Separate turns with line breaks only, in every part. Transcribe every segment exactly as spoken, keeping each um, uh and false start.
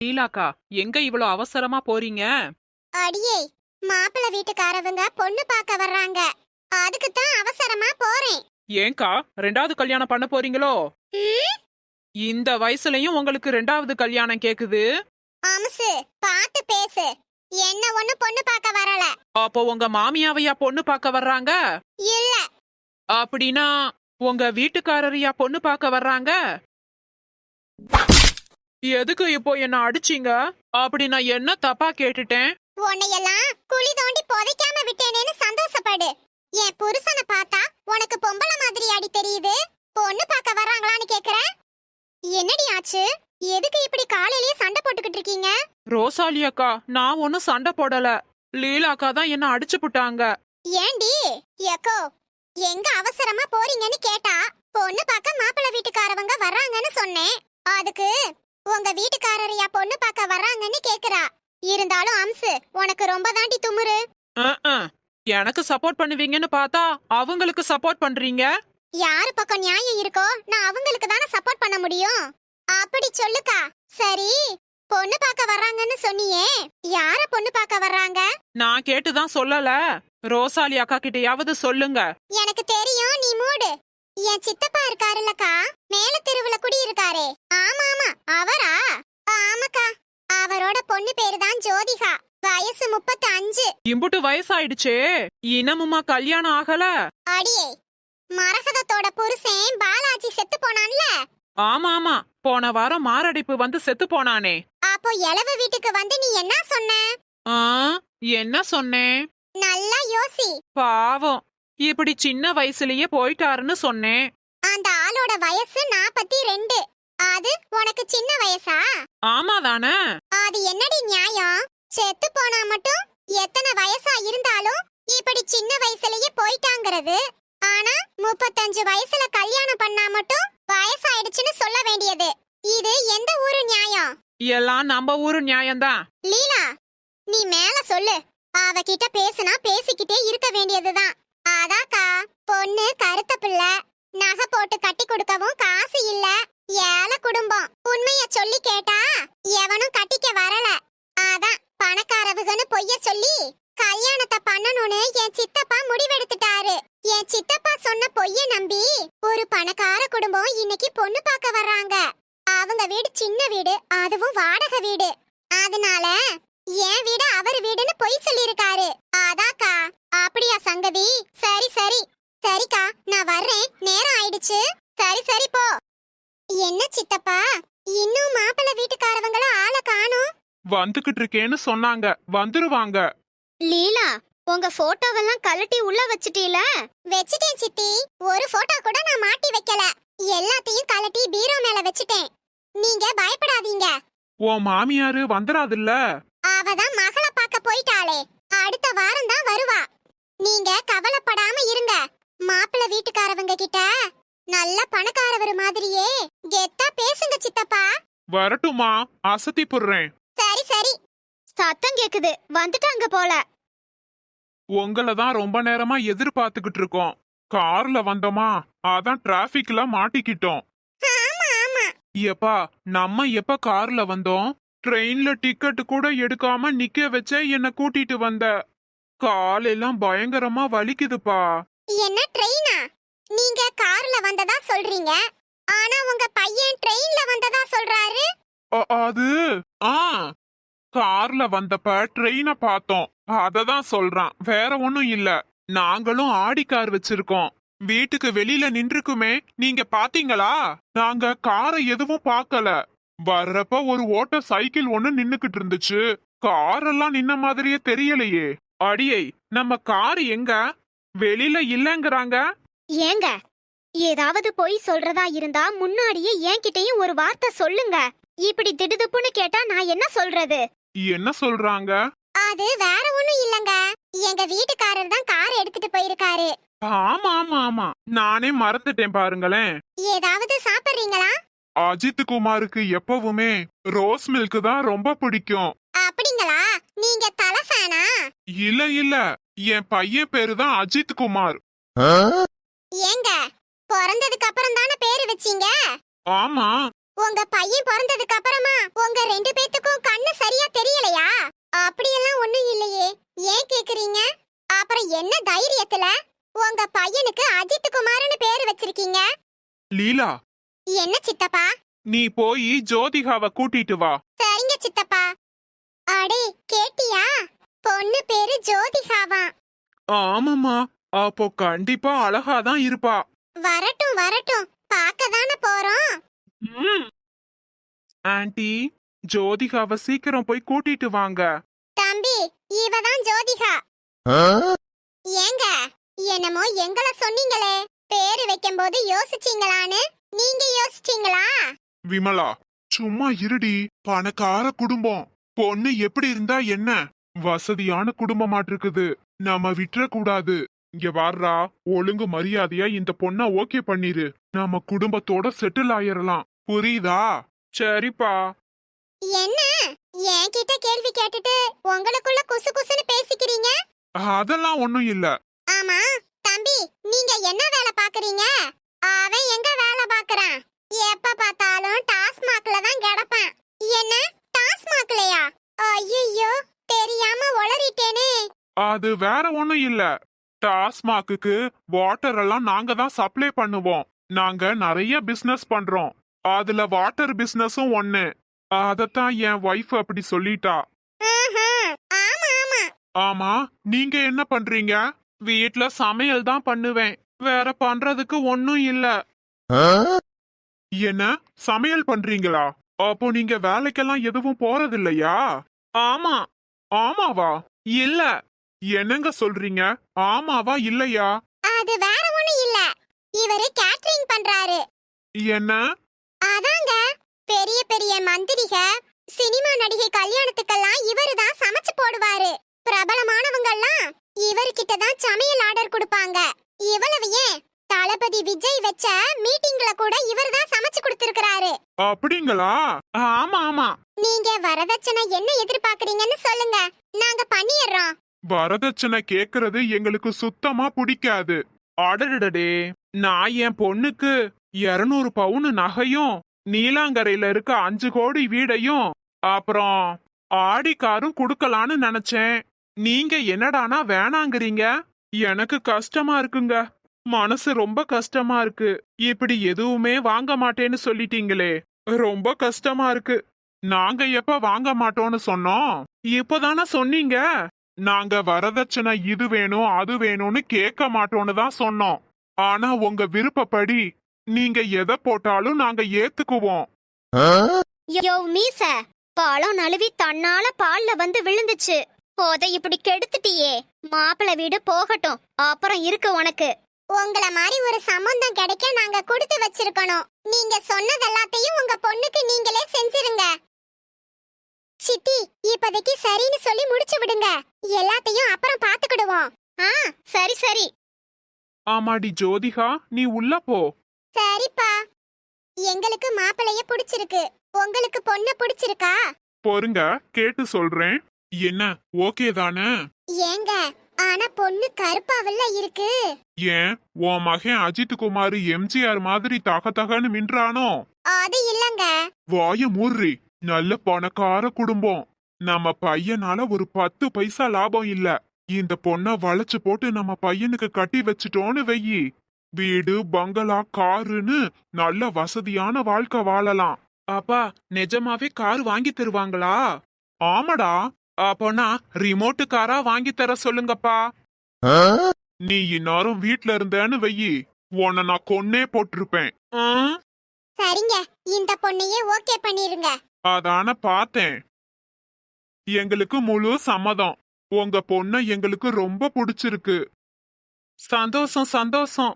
லீலாக்கா, எங்க இவ்வளோ அவசரமா போறீங்க?
அடியே, மாப்பிள்ளை வீட்டுக்காரவங்க பொண்ணு பார்க்க வர்றாங்க. அதுக்கு தான் அவசரமா போறேன்.
ஏங்கா, ரெண்டாவது கல்யாணம் பண்ண போறீங்களோ?
ம்,
இந்த வயசுலயும் உங்களுக்கு ரெண்டாவது கல்யாணம் கேக்குது?
அம்சு, பார்த்து பேசு. என்ன ஒண்ணு பொண்ணு பார்க்க வரல.
அப்போ உங்க மாமியாவையா பொண்ணு பார்க்க வர்றாங்க?
இல்ல.
அப்படின்னா உங்க வீட்டுக்காரரையா பொண்ணு பார்க்க வர்றாங்க? எதுக்கு இப்போ என்ன அடிச்சீங்க? அப்படி நான் என்ன தப்பா கேட்டுட்டேன்?
உன்னையெல்லாம் குழி தோண்டி புதைக்காம விட்டேனேன்னு சந்தோஷப்படு. என் புருஷனை பார்த்தா உனக்கு பொம்பளை மாதிரி அடி தெரியுது. பொண்ணு பார்க்க வர்றாங்களான்னு கேக்குற? என்னடி ஆச்சு? எதுக்கு இப்படி காலையிலேயே சண்டை போட்டுக்கிட்டு இருக்கீங்க?
ரோசாலி அக்கா, நான் ஒன்னும் சண்டை போடல. லீலாக்கா தான் என்ன அடிச்சு புட்டாங்க.
ஏண்டி எக்கோ, எங்க அவசரமா போறீங்கன்னு கேட்டா பொண்ணு பார்க்க மாப்பிள்ளை வீட்டுக்காரவங்க வர்றாங்கன்னு சொன்னேன். அதுக்கு உங்க வீட்டுக்காரரையா பொண்ணு பார்க்க வர்றாங்கன்னு கேக்குறா. இருந்தாலும் அம்சு, உனக்கு ரொம்ப தாண்டி துமுறு.
அஹ், அஹ். எனக்கு சப்போர்ட் பண்ணுவீங்கன்னு பார்த்தா அவங்களுக்கு சப்போர்ட் பண்றீங்க.
யாரு பக்கம் நியாயம் இருக்கோ நான் அவங்களுக்கு தானே சப்போர்ட் பண்ண முடியும். அப்படி சொல்லுக்கா. சரி, பொண்ணு பார்க்க வர்றாங்கன்னு சொன்னியே, யார பொண்ணு பார்க்க வர்றாங்க?
நான் கேட்டுதான் சொல்லல. ரோசாலி அக்கா கிட்டயாவது சொல்லுங்க.
எனக்கு தெரியும், நீ மூடு. என் சித்தப்பா இருக்காருல்லக்கா, மேல தெருவுல குடி இருக்காரே. ஆமா ஆமா, அவரா? ஆமாக்கா, அவரோட பொண்ணு பேரு தான் ஜோதிகா. வயசு முப்பத்தி அஞ்சு.
இம்புட்டு வயசாயிடுச்சே, இனமுமா கல்யாணம் ஆகல?
அடியே, மரகதத்தோட புருஷன் பாலாஜி செத்து போனான்ல.
ஆமா ஆமா, போன வாரம் மாரடைப்பு வந்து செத்து போனானே.
அப்போ எலவு வீட்டுக்கு வந்து நீ என்ன சொன்ன?
ஆ, என்ன சொன்னேன்?
நல்லா யோசி.
பாவம், இப்படி சின்ன வயசுலயே போயிட்டாருன்னு சொன்னேன்.
அந்த ஆளோட வயசு நாப்பத்தி ரெண்டு. அது உனக்கு சின்ன வயசா?
ஆமா தானே?
அது என்னடி நியாயம்? செத்து போனா மட்டும் எத்தனை வயசா இருந்தாலும் இப்படி சின்ன வயசுலயே போயிட்டாங்கிறது. ஆனா முப்பத்தஞ்சு வயசுல கல்யாணம் பண்ணா மட்டும் வயசாயிடுச்சுன்னு சொல்ல வேண்டியது. இது எந்த ஊரு நியாயம்?
எல்லாம் நம்ம ஊரு நியாயம்தான்.
லீலா, நீ மேல சொல்லு. அவகிட்ட பேசுனா பேசிக்கிட்டே இருக்க வேண்டியதுதான். அதாக்கா, பொண்ணு கருத்த பிள்ளை, நகை போட்டு கட்டி கொடுக்கவும் காசு இல்ல, ஏழை குடும்பம். உண்மைய சொல்லி கேட்டா எவனும் கட்டிக்க வரல. அதான் பணக்காரவுகன்னு பொய்ய சொல்லி கல்யாணத்தை பண்ணணும்னு என் சித்தப்பா முடிவெடுத்துட்டாரு. என் சித்தப்பா சொன்ன பொய்ய நம்பி ஒரு பணக்கார குடும்பம் இன்னைக்கு பொண்ணு பார்க்க வர்றாங்க. அவங்க வீடு சின்ன வீடு, அதுவும் வாடகை வீடு. அதனால என் வீடு அவர் வீடுன்னு பொய் சொல்லிருக்காரு. அதாக்கா. அப்படியா சங்கதி? சரி சரி சரிக்கா, நான் வர்றேன், நேரம் ஆயிடுச்சு. சரி சரி போ. என்ன சித்தப்பா, இன்னும் மாப்பிள்ளை வீட்டுக்காரவங்கள ஆள காணோம்?
வந்துகிட்டு இருக்கேன்னு சொன்னாங்க, வந்துருவாங்க.
லீலா, உங்க போட்டோவெல்லாம் கழட்டி உள்ள வச்சிட்டீல? வெச்சிட்டேன் சித்தி. ஒரு போட்டோ கூட நான் மாட்டி வைக்கல. எல்லாத்தையும் கழட்டி பீரோ மேல வச்சிட்டேன். நீங்க பயப்படாதீங்க.
உன் மாமியாரு வந்துராதுல்ல?
அவதான் மகள பார்க்க போயிட்டாளே, அடுத்த வாரம் தான் வருவா. நீங்க கவலைப்படாம இருங்க. மாப்பிள்ளை வீட்டுக்காரவங்க கிட்ட நல்ல பணக்காரவர் மாதிரியே கெத்தா பேசுங்க சித்தப்பா.
வரட்டுமா? அசத்தி புடுறேன்.
சரி சரி. சத்தம் கேக்குது, வந்துட்டாங்க போல.
உங்களை தான் ரொம்ப நேரமா எதிர்பார்த்துக்கிட்டு இருக்கோம். கார்ல வந்தோமா, அதான் டிராபிக்ல மாட்டிக்கிட்டோம்.
ஆமா ஆமா.
எப்பா, நம்ம எப்ப கார்ல வந்தோம்? ட்ரெயின்ல டிக்கெட் கூட எடுக்காம நிக்க வச்ச என்ன கூட்டிட்டு வந்த. காலெல்லாம் பயங்கரமா வலிக்குதுப்பா.
என்ன ட்ரெயினா? நீங்க கார்ல வந்ததா சொல்றீங்க, ஆனா உங்க பையன் ட்ரெயின்ல வந்ததா சொல்றாரு.
அ- அது ஆ கார்ல வந்தப்ப ட்ரெயின பார்த்தோம், அததான் சொல்றான், வேற ஒண்ணும் இல்ல. நாங்களும் ஆடி கார் வச்சிருக்கோம், வீட்டுக்கு வெளியில நின்றுக்குமே, நீங்க பாத்தீங்களா? நாங்க காரை எதுவும் பார்க்கல. வர்றப்ப ஒரு ஓட்ட சைக்கிள் ஒண்ணு நின்னுக்கிட்டு இருந்துச்சு, காரெல்லாம் நின்ன மாதிரியே தெரியலையே. அடியை, நம்ம கார் எங்க? வெளியில இல்லங்கறாங்க.
ஏங்க, ஏதாவது பொய் சொல்றதா இருந்தா முன்னாடியே என்கிட்டயும் ஒரு வார்த்தை சொல்லுங்க. இப்படி திடுதுப்புன்னு கேட்டா நான் என்ன சொல்றது?
என்ன சொல்றாங்க?
அது வேற ஒண்ணும் இல்லங்க, எங்க வீட்டுக்காரர் தான் கார் எடுத்துட்டு போயிருக்காரு.
ஆமா ஆமா ஆமா, நானே மறந்துட்டேன் பாருங்களேன்.
ஏதாவது சாப்பிடுறீங்களா?
அஜித் குமாருக்கு எப்பவுமே ரோஸ் மில்க் தான் ரொம்ப பிடிக்கும்.
அப்படிங்களா? நீங்க தலை ஃபேனா?
இல்ல இல்ல, என் பையன் பேரு தான் அஜித் குமார்.
ஏங்க, பிறந்ததுக்கு அப்புறம் தானே பேரு வச்சீங்க?
ஆமா.
உங்க பையன் பிறந்ததுக்கு அப்புறமா உங்க ரெண்டு பேத்துக்கும் கண்ணு சரியா தெரியலையா? அப்படியெல்லாம் ஒண்ணும் இல்லையே, ஏன் கேக்குறீங்க? அப்புறம் என்ன தைரியத்துல உங்க பையனுக்கு அஜித் குமார்னு பேரு வச்சிருக்கீங்க?
லீலா,
என்ன சித்தப்பா?
நீ போய் ஜோதிகாவை கூட்டிட்டு வா.
சரிங்க சித்தப்பா. அடே கேட்டியா? பொண்ணு பேரு ஜோதிகாவா?
ஆமாமா, அப்போ கண்டிப்பா அழகாதான் இருப்பா.
வரட்டும் வரட்டும், பார்க்கதானே போறோம்.
ம். ஆன்ட்டி, ஜோதிகாவை சீக்கிரம் போய் கூட்டிட்டு வாங்க.
தம்பி, இவதான் ஜோதிகா. ஏங்க, என்னமோ எங்கள சொன்னீங்களே, பேரு வைக்கும்போது யோசிச்சீங்களான்னு நீங்க யோசிச்சீங்களா?
விமலா, சும்மா இருடி. பணக்கார குடும்பம், பொண்ணு எப்படி இருந்தா என்ன? வசதியான குடும்பமாட்டிருக்குது, நாம விட்டுற கூடாது. இங்க வார்றா, ஒழுங்கு மரியாதையா இந்த பொண்ண ஓகே பண்ணிரு. நாம குடும்பத்தோட செட்டில் ஆயிரலாம், புரியுதா? சரிப்பா.
என்ன என்கிட்ட கேள்வி கேட்டுட்டு உங்களுக்குள்ள குசு குசுன்னு பேசிக்கிறீங்க?
அதெல்லாம் ஒண்ணும் இல்ல.
ஆமா தம்பி, நீங்க என்ன வேலை பாக்குறீங்க? அவன் எங்க வேலை பாக்குறான்? எப்ப பார்த்தாலும் டாஸ்மாக்ல தான் கிடப்பான். என்ன டாஸ்மாக்லயா? ஐயோ, தெரியாம உளறிட்டேனே.
அது வேற ஒண்ணும் இல்ல. டாஸ்மாக்கு வாட்டர் எல்லாம் நாங்க தான் சப்ளை பண்ணுவோம். நாங்க நிறைய பிசினஸ் பண்றோம், அதுல வாட்டர் பிசினஸும் ஒண்ணு. அதத்தான் என் வைஃப் அப்படி சொல்லிட்டா.
ஆஹா, ஆமா ஆமா.
ஆமா, நீங்க என்ன பண்றீங்க? வீட்ல சமையல் தான் பண்ணுவேன், வேற பண்றதுக்கு ஒண்ணும் இல்ல. என்ன சமையல் பண்றீங்களா? அப்போ நீங்க வேலைக்கெல்லாம் எதுவும் போறதில்லையா? ஆமா. ஆமாவா? இல்ல. என்னங்க சொல்றீங்க? ஆமாவா இல்லையா?
அது வேற ஒண்ணும் இல்ல, இவரு கேட்டரிங் பண்றாரு.
என்ன?
அதாங்க, பெரிய பெரிய மந்திரிக, சினிமா நடிகை கல்யாணத்துக்கெல்லாம் இவரு தான் சமைச்சு போடுவாரு. பிரபலமானவங்க எல்லாம் இவர்கிட்ட தான் சமையல் ஆர்டர் கொடுப்பாங்க. இவ்வளவு ஏன், தளபதி விஜய் வச்ச மீட்டிங்ல கூட இவர் தான் சமைச்சு கொடுத்திருக்காரு.
அப்படிங்களா? ஆமா ஆமா.
நீங்க வரதட்சணை என்ன எதிர்பார்க்கறீங்கன்னு சொல்லுங்க, நாங்க பண்ணிடுறோம்.
வரதட்சணை கேக்குறது எங்களுக்கு சுத்தமா பிடிக்காது. அடடடே, நான் என் பொண்ணுக்கு இருநூறு பவுன் நகையும், நீலாங்கரையில இருக்க அஞ்சு கோடி வீடையும், அப்புறம் ஆடி காரும் குடுக்கலான்னு நினைச்சேன். நீங்க என்னடானா வேணாங்கிறீங்க. எனக்கு கஷ்டமா இருக்குங்க, மனசு ரொம்ப கஷ்டமா இருக்கு. இப்படி எதுவுமே வாங்க மாட்டேன்னு சொல்லிட்டீங்களே, ரொம்ப கஷ்டமா இருக்கு. நாங்க எப்ப வாங்க மாட்டோம்னு சொன்னோம்? இப்பதானே சொன்னீங்க. நாங்க வரதட்சணை இது வேணும் அது வேணும்னு கேட்க மாட்டோம்னு தான் சொன்னோம். ஆனா உங்க விருப்பப்படி நீங்க எதை போட்டாலும் நாங்க ஏத்துக்குவோம்.
யோ மீச, பழம் நழுவி தன்னால பால்ல வந்து விழுந்துச்சு. போத இப்படி கெடுத்துட்டியே. மாப்பிள்ளை வீடு போகட்டும், அப்புறம் இருக்கு உனக்கு. உங்கள மாதிரி ஒரு சம்பந்தம் கிடைக்க நாங்க கொடுத்து வச்சிருக்கணும். நீங்க சொன்னது எல்லாத்தையும் உங்க பொண்ணுக்கு நீங்களே செஞ்சிருங்க. சித்தி, இப்போதைக்கு சரின்னு சொல்லி முடிச்சு விடுங்க, எல்லாத்தையும் அப்புறம் பாத்துக்கிடுவோம். ஆ, சரி சரி.
ஆமாடி ஜோதிகா, நீ உள்ள போ.
சரிப்பா. எங்களுக்கு மாப்பிளைய பிடிச்சிருக்கு, உங்களுக்கு பொண்ணு பிடிச்சிருக்கா?
பொறுங்க, கேட்டு சொல்றேன். என்ன ஓகே தானே?
ஏங்க, ஆனா பொண்ணு கருப்பாவல்ல இருக்கு.
ஏன் உன் மகன் அஜித் குமார் எம்ஜிஆர் மாதிரி தக தகன்னு மின்றானோ?
அது இல்லங்க.
வாய மூர்றி. நல்ல பணக்கார குடும்பம், நம்ம பையனால ஒரு பத்து பைசா லாபம் இல்ல. இந்த பொண்ண வளைச்சு போட்டு நம்ம பையனுக்கு கட்டி வச்சுட்டோன்னு வெயி, வீடு பங்களா காருன்னு நல்ல வசதியான வாழ்க்கை வாழலாம். அப்பா, நிஜமாவே கார் வாங்கி தருவாங்களா? ஆமாடா. அப்போனா ரிமோட்டு காரா வாங்கி தர சொல்லுங்கப்பா. நீ இந்நேரம் வீட்ல இருந்தேன்னு வெயி, உன்னை நான் கொன்னே போட்டிருப்பேன். ஆ?
சரிங்க, இந்த பொண்ணையே ஓகே பண்ணிருங்க.
அதான பார்த்தேன். எங்களுக்கு முழு சம்மதம். உங்க பொண்ண எங்களுக்கு ரொம்ப பிடிச்சிருக்கு. சந்தோஷம் சந்தோஷம்.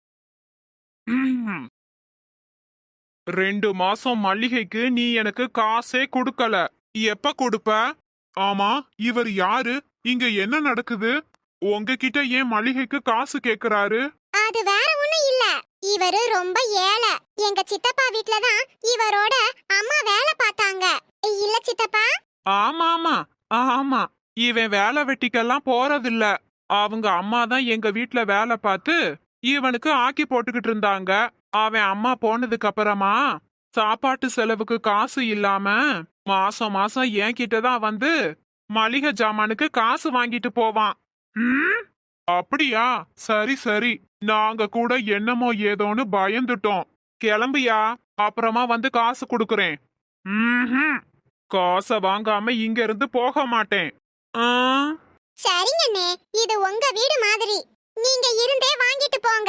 ம். ரெண்டு மாசம் மல்லிகைக்கு நீ எனக்கு காசே கொடுக்கல, எப்ப கொடுப்ப? ஆமா, இவர் யாரு? இங்க என்ன நடக்குது? உங்ககிட்ட ஏன் மல்லிகைக்கு காசு கேக்குறாரு?
அது வேற ஒண்ணும் இல்ல, இவரு ரொம்ப ஏழை. எங்க சித்தப்பா வீட்ல தான் இவரோட அம்மா வேலை பார்த்தாங்க. இல்ல சித்தப்பா?
ஆமா ஆமா ஆமா, இவன் வேலை வெட்டிக்கெல்லாம் போறதில்ல. அவங்க அம்மா தான் எங்க வீட்ல வேலை பார்த்து இவனுக்கு ஆக்கி போட்டுக்கிட்டு இருந்தாங்க. அவன் அம்மா போனதுக்கு அப்புறமா சாப்பாட்டு செலவுக்கு காசு இல்லாம மாசம் மாசம் என்கிட்ட தான் வந்து மளிகை ஜாமானுக்கு காசு வாங்கிட்டு போவான். ம், அப்படியா? சரி சரி, நாங்க கூட என்னமோ ஏதோன்னு பயந்துட்டோம். கிளம்பியா, அப்புறமா வந்து காசு கொடுக்கறேன். ம்ஹும். காசை வாங்காம இங்க இருந்து போக மாட்டேன். ஆ,
சரிங்கண்ணே, இது உங்க வீடு மாதிரி. நீங்க இருந்தே வாங்கிட்டு போங்க.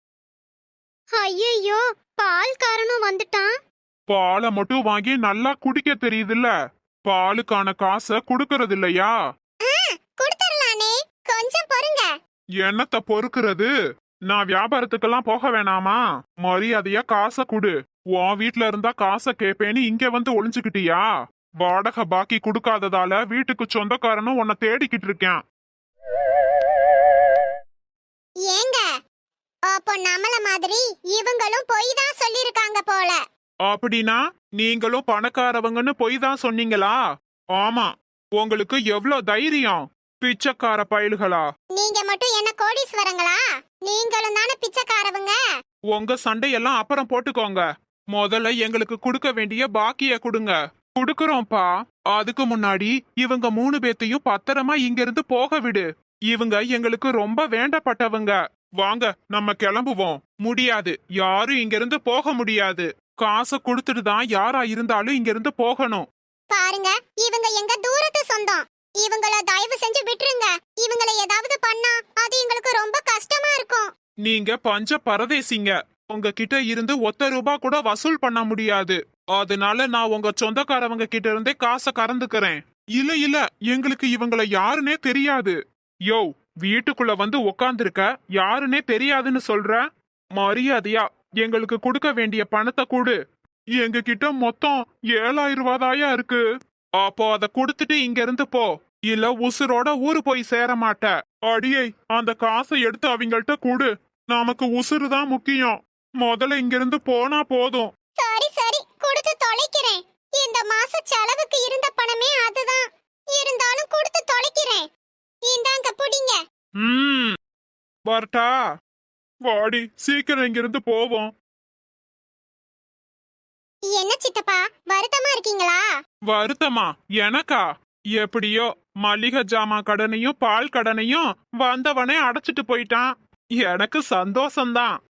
ஐயோ, பால்காரனும் வந்துட்டான்.
பாலை மட்டும் வாங்கி நல்லா குடிக்க தெரியுதுல்ல, பாலுக்கான காசை கொடுக்கறது இல்லையா?
குடுத்துறலானே, கொஞ்சம் பொறுங்க.
என்னத்த பொறுக்கிறது? நான் வியாபாரத்துக்கெல்லாம் போக வேணாமா? மரியாதையா காசை குடு. உன் வீட்ல இருந்தா காசை கேப்பேன்னு இங்க வந்து ஒளிஞ்சுக்கிட்டியா? வாடகை பாக்கி கொடுக்காததால வீட்டுக்கு சொந்தக்காரனும் உன்னை தேடிக்கிட்டு இருக்கேன்.
ஏங்க, அப்போ நம்மள மாதிரி இவங்களும் பொய் தான் சொல்லிருக்காங்க போல.
அப்படின்னா நீங்களும் பணக்காரவங்கன்னு பொய் தான் சொன்னீங்களா? ஆமா, உங்களுக்கு எவ்வளவு தைரியம்? பிச்சைக்கார பயல்களா!
நீங்க மட்டும் என்ன கோடீஸ்வரங்களா? நீங்களும் தானே பிச்சைக்காரவங்க.
உங்க சண்டையெல்லாம் அப்புறம் போட்டுக்கோங்க. முதல்ல எங்களுக்கு கொடுக்க வேண்டிய பாக்கிய கொடுங்க. குடுக்கறோம்ப்பா. அதுக்கு முன்னாடி இவங்க மூணு பேத்தையும் பத்திரமா இங்க இருந்து போக விடு. இவங்க எங்களுக்கு ரொம்ப வேண்டப்பட்டவங்க. வாங்க, நம்ம கிளம்புவோம். முடியாது, யாரும் இங்க இருந்து போக முடியாது. காசை கொடுத்துட்டு தான் யாரா இருந்தாலும் இங்க இருந்து போகணும்.
பாருங்க, இவங்க எங்க தூரத்து சொந்தம். இவங்கள தயவு செஞ்சு விட்டுருங்க. இவங்கள ஏதாவது பண்ணா அது எங்களுக்கு ரொம்ப கஷ்டமா இருக்கும்.
நீங்க பஞ்ச பரதேசிங்க. உங்ககிட்ட இருந்து ஒத்த ரூபா கூட வசூல் பண்ண முடியாது. அதனால நான் உங்க சொந்தக்காரவங்க கிட்ட இருந்தே காசை கறந்துக்கிறேன். இல்ல இல்ல, எங்களுக்கு இவங்கள யாருன்னே தெரியாது. யோ, வீட்டுக்குள்ள வந்து உக்காந்துருக்க, யாருன்னே தெரியாதுன்னு சொல்ற? மரியாதையா எங்களுக்கு கொடுக்க வேண்டிய பணத்தை கொடு. எங்க கிட்ட மொத்தம் ஏழாயிரம் ரூபாதாயா இருக்கு. அப்போ அதை கொடுத்துட்டு இங்க இருந்து போ, இல்ல உசுரோட ஊரு போய் சேர மாட்ட. அடியே, அந்த காசை எடுத்து அவங்கள்ட்ட கொடு. நமக்கு உசுறு தான் முக்கியம். முதல்ல இங்க இருந்து போனா போதும்.
சரி சரி, கொடுத்து தொலைக்கிறேன். இந்த மாச செலவுக்கு இருந்த பணமே அதுதான். இருந்தாலும் கொடுத்து தொலைக்கிறேன். இந்தாங்க புடிங்க.
ம், வரட்டா? வாடி, சீக்கிரம் இங்க இருந்து போவோம்.
என்ன சித்தப்பா, வருத்தமா இருக்கீங்களா?
வருத்தமா? எனக்கா? எப்படியோ மளிகை ஜாமான் கடனையும் பால் கடனையும் வந்தவனே அடைச்சிட்டு போயிட்டான். எனக்கு சந்தோஷம்தான்.